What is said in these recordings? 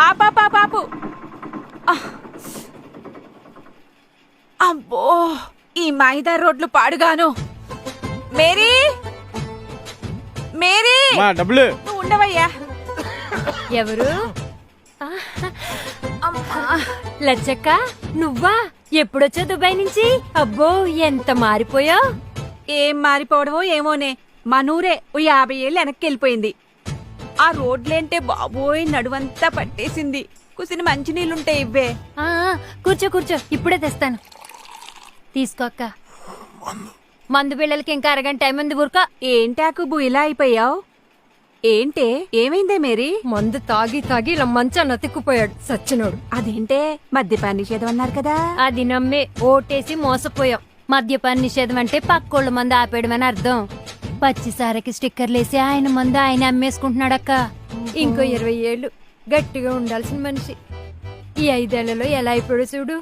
పాపు. అబ్బో, ఈ మైదా రోడ్లు పాడుగాను. మేరీ, మేరీ, డబ్బులు నువ్వు ఉండవయ్యా. ఎవరు? లచ్చక్క, నువ్వా? ఎప్పుడొచ్చా దుబాయ్ నుంచి? అబ్బో, ఎంత మారిపోయావు. ఏం మారిపోవడమో ఏమోనే, మనూరే ఓ 50 ఏళ్ళు వెనక్కి వెళ్ళిపోయింది. ఆ రోడ్లేంటే బాబోయ్ నడువంతా పట్టేసింది. కుసిన మంచినీళ్ళుంటాయి ఇవ్వే. కూర్చో కూర్చో, ఇప్పుడే తెస్తాను. తీసుకో అక్క. మందు పిల్లలకి ఇంకా అరగంట టైం ఉంది. ఊరుక. ఏంటాకుబు ఇలా అయిపోయావు? ఏంటే, ఏమైందే మేరీ? మందు తాగి తాగి ఇలా మంచాన్ని అతిక్కుపోయాడు సచ్చినోడు. అదేంటే, మద్యపాన నిషేధం అన్నారు కదా. అది నమ్మే ఓటేసి మోసపోయాం. మద్యపాన నిషేధం అంటే పక్కోళ్ళ మందు ఆపేయడమని అర్థం. పచ్చిసారకి స్టిక్కర్లేసి ఆయన మందు ఆయన అమ్మేసుకుంటున్నాడక్క. ఇంకో 20 ఏళ్ళు గట్టిగా ఉండాల్సిన మనిషి ఈ 5 ఏళ్లలో ఎలా అయిపోయాడు చూడు.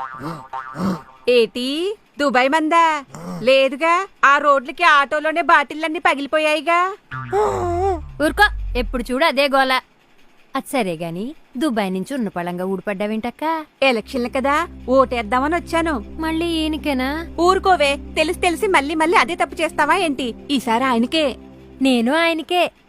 ఏటి, దుబాయ్ మందా? లేదుగా, ఆ రోడ్లకి ఆటోలోనే బాటిల్లన్నీ పగిలిపోయాయిగా. ఊరుకో, ఎప్పుడు చూడు అదే గోల. అది సరే గాని దుబాయ్ నుంచి ఉన్న పళంగా ఊడిపడ్డావేంటక్క? ఎలక్షన్లు కదా, ఓటేద్దామని వచ్చాను. మళ్ళీ ఈయనకేనా? ఊరుకోవే, తెలిసి తెలిసి మళ్ళీ మళ్ళీ అదే తప్పు చేస్తావా ఏంటి? ఈసారి ఆయనకే. నేను ఆయనకే.